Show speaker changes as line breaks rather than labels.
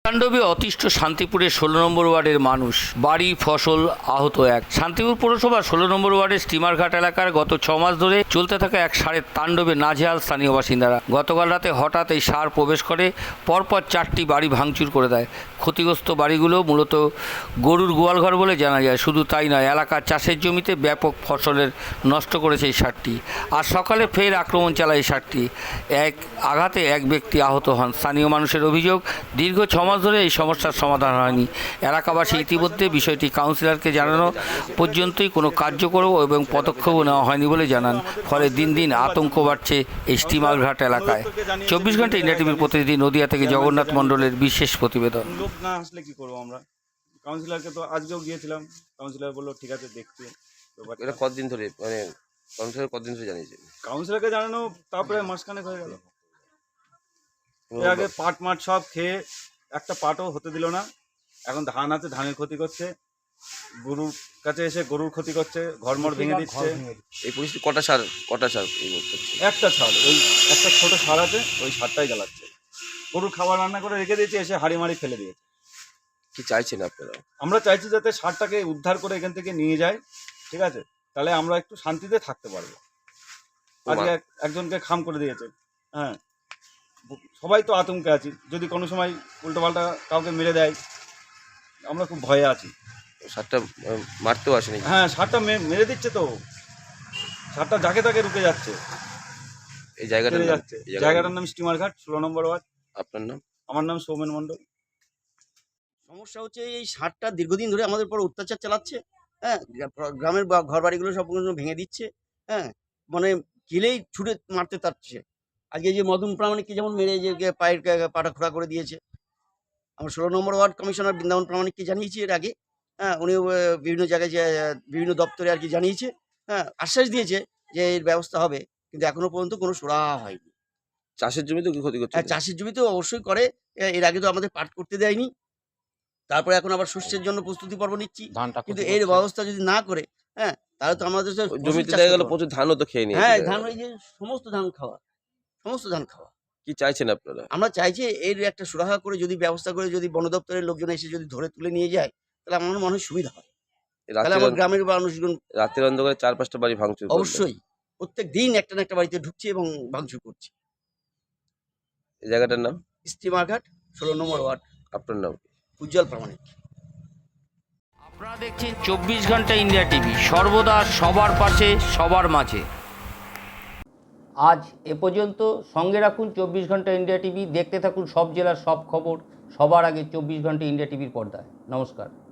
তাণ্ডবে অতিষ্ঠ শান্তিপুরের ১৬ নম্বর ওয়ার্ডের মানুষ, বাড়ি ফসল আহত এক। শান্তিপুর পৌরসভার ১৬ নম্বর ওয়ার্ডের স্টিমারঘাট এলাকার গত ৬ মাস ধরে চলতে থাকা এক ষাঁড়ের তাণ্ডবে নাজেহাল স্থানীয় বাসিন্দারা। গতকাল রাতে হঠাৎ এই ষাঁড় প্রবেশ করে পরপর ৪টি বাড়ি ভাঙচুর করে দেয়। ক্ষতিগ্রস্ত বাড়িগুলো মূলত গরুর গোয়ালঘর বলে জানা যায়। শুধু তাই নয়, এলাকার চাষের জমিতে ব্যাপক ফসলের নষ্ট করেছে এই ষাঁড়টি। আর সকালে ফের আক্রমণ চালায় এই ষাঁড়টি। এক আঘাতে এক ব্যক্তি আহত হন। স্থানীয় মানুষের অভিযোগ, দীর্ঘ ৬ মাস ধরে এই সমস্যার সমাধান হয়নি। এলাকাবাসী ইতিমধ্যে বিষয়টি কাউন্সিলরকে জানানো পর্যন্তই কোনো কার্যকর এবং পদক্ষেপও নেওয়া হয়নি বলে জানান। ফলে দিন দিন আতঙ্ক বাড়ছে এই স্টিমারঘাট এলাকায়। ২৪ ঘন্টা ইন্ডিয়া টিভির প্রতিনিধি নদিয়া থেকে জগন্নাথ মণ্ডলের বিশেষ প্রতিবেদন।
লোক না আসলে কি করবো আমরা? কাউন্সিলরকে তো আজকেও গিয়েছিলাম, কাউন্সিলর বললো ঠিক আছে দেখতে।
এটা কতদিন ধরে মানে কাউন্সিলর কতদিন ধরে জানিয়েছে?
কাউন্সিলরকে জানানো তারপরে মাসখানেক হয়ে গেল। এর আগে পাট মাঠ সব খেয়ে একটা পাটও হতে দিল না। এখন ধান আছে, ধানের ক্ষতি করছে, গরুর কাছে এসে গরুর ক্ষতি করছে, ঘরমর ভেঙে দিচ্ছে।
এই পরিস্থিতি কটা সার এই করছে?
একটা সার, ওই একটা ছোট সার আছে, ওই সারটাই জ্বালাচ্ছে। গরুর খাবার রান্না করে রেখে দিয়েছে, এসে হাঁড়ি মাড়ি ফেলে দিয়েছে।
কি চাইছেন আপনারা?
আমরা চাইছি যাতে সারটাকে উদ্ধার করে এখান থেকে নিয়ে যায়, ঠিক আছে? তাহলে আমরা একটু শান্তিতে থাকতে পারবো। আজকে একজনকে খাম করে দিয়েছে। হ্যাঁ, সবাই তো আতঙ্কে আছি, যদি কোনো সময় উল্টোপাল্টা কাউকে মেরে দেয়, আমরা খুব ভয়ে আছি।
সারটা মারতেও আসেনি?
হ্যাঁ, সারটা মেরে দিচ্ছে তো, সারটা যাকে তাকে রুকে যাচ্ছে।
এই জায়গাটার
যাচ্ছে জায়গাটার নাম স্টিমারঘাট, ১৬ নম্বর ওয়ার্ড।
আপনার নাম?
আমার নাম সৌমেন মণ্ডল।
সমস্যা হচ্ছে এই ষাঁড়টা দীর্ঘদিন ধরে আমাদের উপর অত্যাচার চালাচ্ছে। হ্যাঁ, গ্রামের ঘর বাড়িগুলো সব ভেঙে দিচ্ছে। হ্যাঁ, মানে গেলেই ছুটে মারতে চাচ্ছে। আজকে যে মদন প্রামাণিককে যেমন মেরে যে পায়ের পাটা খোঁড়া করে দিয়েছে। আমরা ১৬ নম্বর ওয়ার্ড কমিশনার বৃন্দাবন প্রামাণিককে জানিয়েছি এর আগে। হ্যাঁ, উনিও বিভিন্ন জায়গায় যে বিভিন্ন দপ্তরে আর কি জানিয়েছে। হ্যাঁ, আশ্বাস দিয়েছে যে এর ব্যবস্থা হবে, কিন্তু এখনো পর্যন্ত কোনো সুরাহা হয়নি।
চাষের জমিতে কি ক্ষতি করছে?
হ্যাঁ, চাষের জমিতেও অবশ্যই করে। এর আগে তো আমাদের পাট করতে দেয়নি। তারপরে এখন আবার শস্যের জন্য প্রস্তুতি পর্ব নিচ্ছি, কিন্তু এর ব্যবস্থা যদি না করে, হ্যাঁ, তাহলে তো আমাদের
জমিতে দেখা গেল প্রচুর ধানও তো খেয়ে নিয়েছে।
হ্যাঁ, ধান, ওই যে সমস্ত ধান খাওয়া।
কি চাইছেন আপনারা?
আমরা চাইছি এর একটা সুরাহা করে, যদি ব্যবস্থা করে, যদি বন দপ্তরের লোকজন এসে যদি ধরে তুলে নিয়ে যায়, তাহলে আমার মনে হয় সুবিধা হয়। তাহলে আমার গ্রামের মানুষজন
রাতের অন্ধকারে ৪-৫টা বাড়ি ভাঙচুর করলো।
অবশ্যই প্রত্যেক দিন একটা না একটা বাড়িতে ঢুকছে এবং ভাঙচুর করছে।
এই জায়গাটার নাম?
স্টিমারঘাট, ১৬ নম্বর ওয়ার্ড।
আপনার নাম?
উজ্জ্বল প্রামাণিক।
আপনারা দেখছেন ২৪ ঘন্টা ইন্ডিয়া টিভি, সর্বদা সবার পাশে, সবার মাঝে। আজ এ পর্যন্ত। সঙ্গে রাখুন ২৪ ঘন্টা ইন্ডিয়া টিভি। দেখতে থাকুন সব জেলার সব খবর সবার আগে ২৪ ঘন্টা ইন্ডিয়া টিভির পর্দায়। নমস্কার।